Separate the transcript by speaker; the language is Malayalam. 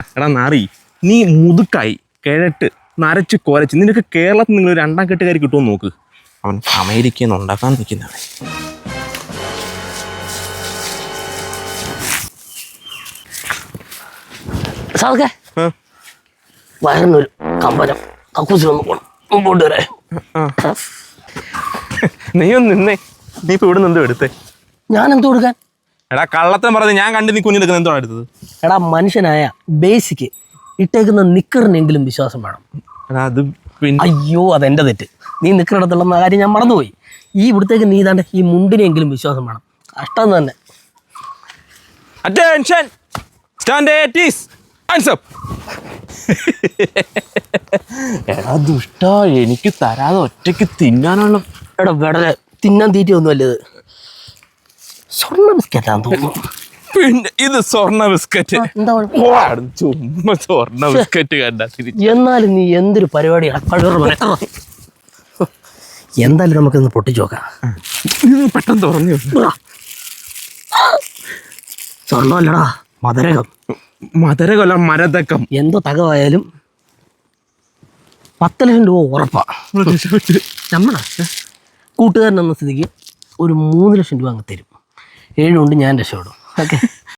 Speaker 1: എടാ നാറി, നീ മുതുക്കായി കിഴട്ട് നരച്ച് കുരച്ച് നിനക്ക് കേരളത്തിൽ നിങ്ങൾ രണ്ടാം കെട്ടുകാരി കിട്ടുമെന്ന് നോക്ക്. അവൻ അമേരിക്കയിൽ നിന്ന് ഉണ്ടാക്കാൻ നിൽക്കുന്നതാണ്.
Speaker 2: സാധക്കെ വയറിനൊരു കമ്പനം കക്കൂസിലൊന്ന് പോകണം, മുമ്പോട്ട് വരെ.
Speaker 1: നീ ഒന്ന് നിന്നേ. നീ ഇപ്പൊ ഇവിടെ നിന്ന് എടുത്തേ?
Speaker 2: ഞാൻ എന്ത് കൊടുക്കാൻ?
Speaker 1: എടാ കള്ളത്തം പറഞ്ഞ് ഞാൻ കണ്ട് നീ കുഞ്ഞെടുക്കുന്ന എന്തോ എടുത്തത്?
Speaker 2: എടാ മനുഷ്യനായ ബേസിക്ക് ഇട്ടേക്കുന്ന നിക്കറിനെങ്കിലും വിശ്വാസം വേണം.
Speaker 1: എടാ അത് പിന്നെ
Speaker 2: അയ്യോ അതെന്റെ തെറ്റ്. നീ നിക്കറിടത്തുള്ള കാര്യം ഞാൻ മറന്നുപോയി. ഈ ഇവിടത്തേക്ക് നീ താണ്ട് ഈ മുണ്ടിനെങ്കിലും വിശ്വാസം വേണം. കഷ്ടം തന്നെ.
Speaker 1: Attention stand at ease hands up. എടാ ദുഷ്ട, എനിക്ക് തരാതെ ഒറ്റയ്ക്ക് തിന്നാനുള്ള
Speaker 2: എടാ വെടലെ തിന്നാൻ തീറ്റയൊന്നും അല്ലത്. സ്വർണ്ണ ബിസ്ക്കറ്റാന്ന് തോന്നുന്നു.
Speaker 1: പിന്നെ ഇത് സ്വർണ്ണ ബിസ്ക്കറ്റ്.
Speaker 2: എന്താ
Speaker 1: ചുമ്മാ സ്വർണ്ണ ബിസ്ക്കറ്റ് കണ്ടാ തിരിച്ചു.
Speaker 2: എന്നാലും നീ എന്തൊരു പരിപാടിയാണ്. എന്തായാലും നമുക്കിന്ന് പൊട്ടിച്ചു നോക്കാം.
Speaker 1: പെട്ടെന്ന് തുറന്നു.
Speaker 2: സ്വർണ്ണമല്ലടാ, മധുരകം.
Speaker 1: മധുരകൊല്ല മരതക്കം.
Speaker 2: എന്തോ തകവായാലും 10 ലക്ഷം രൂപ ഉറപ്പാ. നമ്മളാ കൂട്ടുകാരൻ എന്ന സ്ഥിതിക്ക് ഒരു 3 ലക്ഷം രൂപ അങ്ങ് തരും. 7 കൊണ്ട് ഞാൻ രക്ഷപ്പെടും. ഓക്കെ.